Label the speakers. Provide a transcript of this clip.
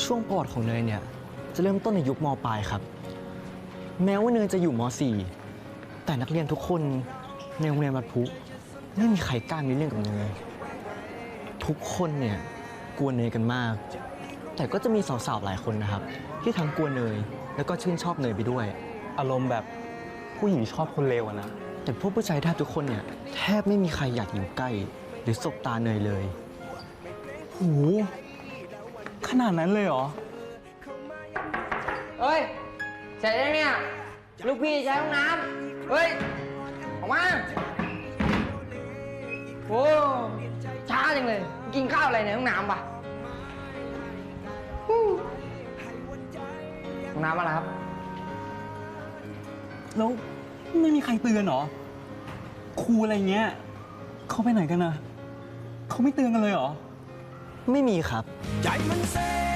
Speaker 1: ช่วงประวัติของเนยเนี่ยจะเริ่มต้นในยุคม.ปลายครับแม้ว่าเนยจะอยู่ม.4 แต่นักเรียนทุกคนในโรงเรียนวัดพุไม่มีใครกล้ามีเรื่องกับเนยทุกคนเนี่ยกลัวเนยกันมากแต่ก็จะมีสาวๆหลายคนนะครับที่ทั้งกลัวเนยแล้วก็ชื่นชอบเนยไปด้วย
Speaker 2: อารมณ์แบบผู้หญิงชอบคนเลวอะนะ
Speaker 1: แต่พวกผู้ชายแทบทุกคนเนี่ยแทบไม่มีใครอยากอยู่ใกล้หรือสบตาเนยเลย
Speaker 2: โหขนาดนั้นเลยเหรอ
Speaker 3: เฮ้ยเสร็จแล้วเนี่ยลูกพี่ใช้ห้องน้ำเฮ้ยออกมาโอ้ช้าจังเลยกินข้าวอะไรในห้องน้ำปะห้องน้ำอะไรครับ
Speaker 2: แล้วไม่มีใครเตือนเหรอครูอะไรเงี้ยเขาไปไหนกันนะเขาไม่เตือนกันเลยเหรอ
Speaker 1: ไม่มีครับ
Speaker 4: ใจมันเซ่